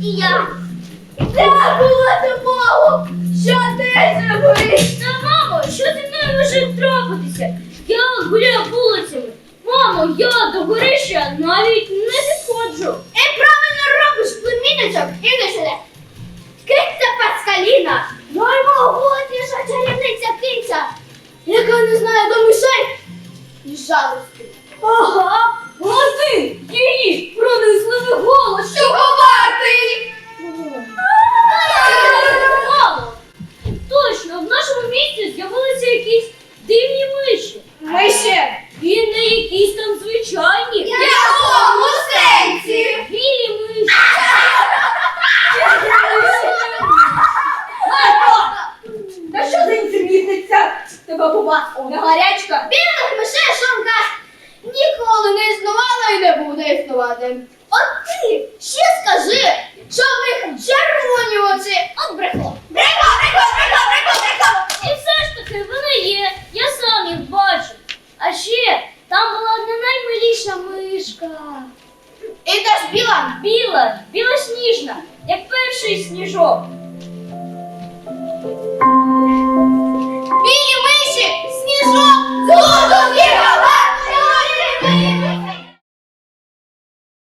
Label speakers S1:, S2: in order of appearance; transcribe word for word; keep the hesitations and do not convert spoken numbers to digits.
S1: І я. Де була допомогу? Що ти зробив? Та, мамо, що зі мною може трапитися? Я гуляю вулицями. Мамо, я до горища навіть не підходжу. І правильно робиш, племінничок, іди сюди. Киця Паскаліна, наймогутніша чарівниця киця, яка не знає до мишей і жалості. Ага, а ти її пронизливий голос, що ховати! Мамо, точно, в нашому місті з'явилися якісь дивні миші.
S2: Миші?
S1: І не якісь там звичайні.
S2: В якому сенсі?
S1: Білі миші.
S2: Та що за інтермітниця? Тебе побачила гарячка?
S1: Білих мишей, що вам кажуть, ніколи не існувало і не буде існувати. От ти ще скажи, що в них червоні очі. От брехло.
S2: Брехло, брехло, брехло, брехло, брехло!
S1: І все ж таки вони є, я сам їх бачу. А ще там була одна наймиліша мишка.
S2: І теж біла?
S1: Біла, білосніжна, як перший сніжок.